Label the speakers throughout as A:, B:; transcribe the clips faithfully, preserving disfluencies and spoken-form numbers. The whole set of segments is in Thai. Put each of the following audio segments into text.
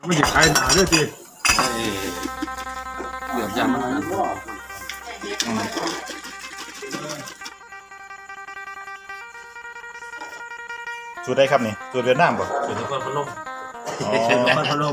A: ไม่ใช่ขายหนาด้วยจี
B: เดือดยัง
C: สูตรได้ครับนี่สูตรเวียดนามป่ะ
B: เป็นนครพนม
C: อ๋อ
A: มันพะโล้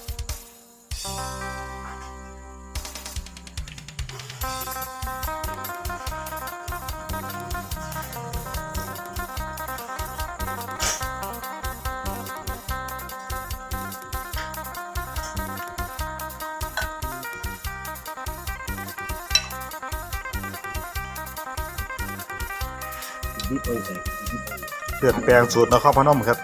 C: เลือดแปลงสูตรนครพนมครับ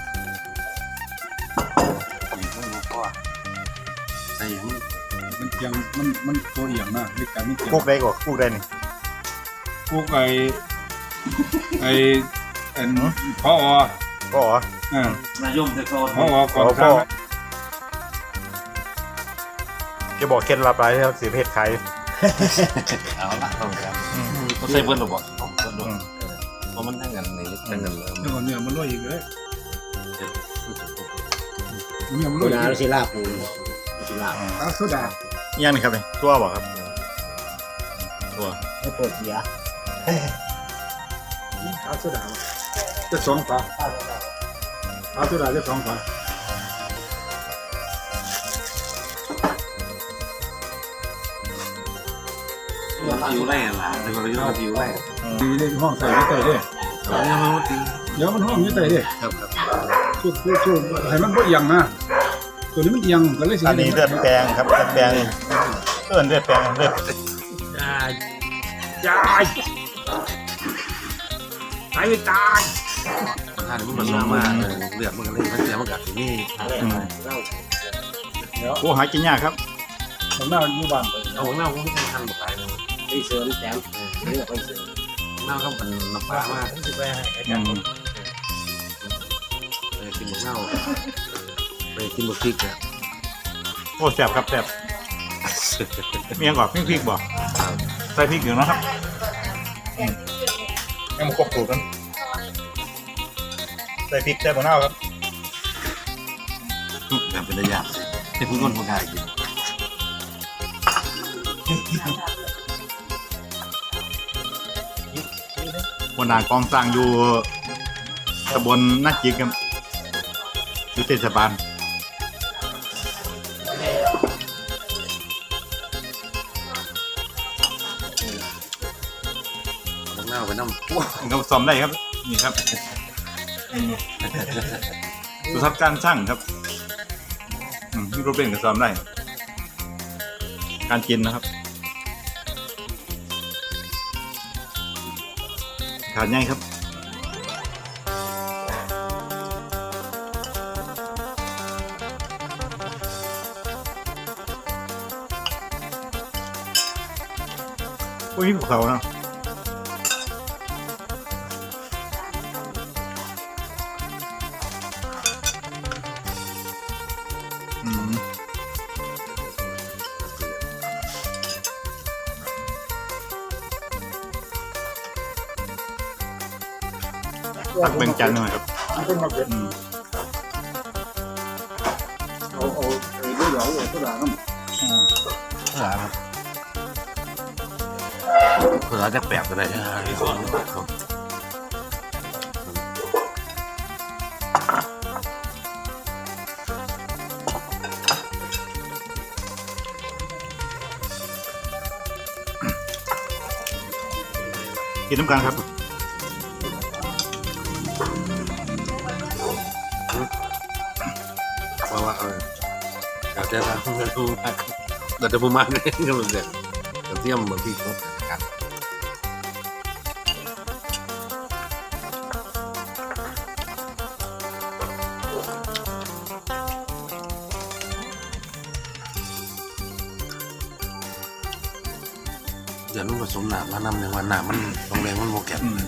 B: ใส่ยัง
A: มันเอียงมันมันตัวเอียงมากในการนี่เอียง
C: พวกได้ก่อนพวกได้นี่
A: พวกไอ้ไอ้ไอ้พอ
C: ก็อ๋อ
A: อ่าน
B: ายมแต่ก่อน
A: พอก่
C: อ๋
A: อ
C: อน พ่
A: ข้า
C: อ
A: ว
C: แกบอกเคล็ดลับอะไรครับสีเพชรไข่
B: เอาละต้องกันเขาใส่เบิ้ลหรือเปล่าเบิ้ลหรือ
C: อืม
B: เพราะมันทั้งกันนี่ทั้งกันเลย
A: เนื้อเนื้อมันลอยอีกเลยเนื้อมันล
D: โบ
A: อย
D: ราณ
A: อีก
D: ศิลาปูศิลา
A: ตาโซดา
C: ย่างนี่ครับนี่ตัวบอกครับตัว
D: ไม่ปวดเสีย
A: ตาโซดาจะสองฝาตาโซดาจะสองฝา
B: ผิวแรงล่ะแต่เราต้องผิวแรง
A: ดีเลยห้องใส่ไม่ใส่เลย
B: เรายังไม่ตี
A: เดี๋ยวมันห้องไม่ใส่เลย
B: ครับครับ
A: ช่วยช่วยช่วยให้มันบ่เอียงนะตัวนี้มันเอียงก็เลยสิ
C: อันนี้เลือดแปลงครับเลือดแปลงเอิ้นเลือดแปลงเลือด
B: ยาย
A: ยายตายตาย
B: ถ้ามันลงมาเลือดมันก็เลยมันเสียมันกัดที่นี่
C: อืมโอ้หากินยากครับ
A: ผมน่าอยู่บ้านไป
B: เอาของเราไม่ใช่ทางแบบไหนเลย
D: ไปเสริมแต้มเลือกไปเสริม
B: หน้าก็เป็นน้ำปลามาก
D: ที่ไปให้
C: อืม
B: ไปกินหมูเน่าไปกินบุกพริกเนี่ย
C: โอ้แซ่บครับแซ่บเมียงก่อนพริกพริกบ่ใส่พริกอยู่นะครับอืมยังมาควบคู่กันใส่พริกใส่บะนาวครับ
B: แบบเป็นระยะที่ผู้คนผู้ชายกิน
C: วันนากองสร้างอยู่ตำบลนาจิกครับอยู่เทศบาล
B: หมูเน่าไปน้ำ
C: ก็ซ้อมได้ครับนี่ครับอืมสุทัศน์การช่างครับอืมมีรูปเล่นก็ซ้อมได้ การกินนะครับขาดง่ายครับโอ้ยมีภูเขาเนาะอืมตักแบ่งจานหน่อยครับ
A: มันเป็นมาเป็น
C: อืม
A: เอาเอาไอ้ด้วยเหลาเอาโซดาน้ำ
C: อืม
B: ภาษาครับภาษาจะแปลกอะไรที่สอนครับ
C: กินน้ำกันครับ
B: เพราะว่าเออเราจะทำกันรู้มากเราจะประมาณนี้ก็เหมือนเดิมเทียมบางทีครบกันเดี๋ยวนุ่งผสมหนามานำในวันหนามมันโรงแรมมันโมแกน
C: อืม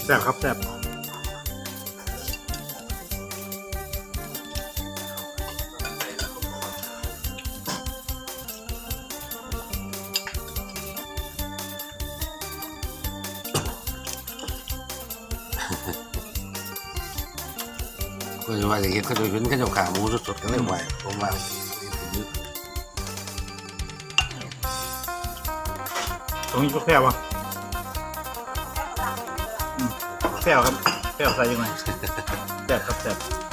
C: ซ่บครับแซ่บ
B: ก็จะว่าอย่างเงี้ยเขาจะเห็นเขาจะขาหมูสดๆกันเลยไหวผมว่า
C: ตรงนี้ก็แซ่บวะแซ่บครับแซ่บใส่ยังไงแซ่บครับแซ่บ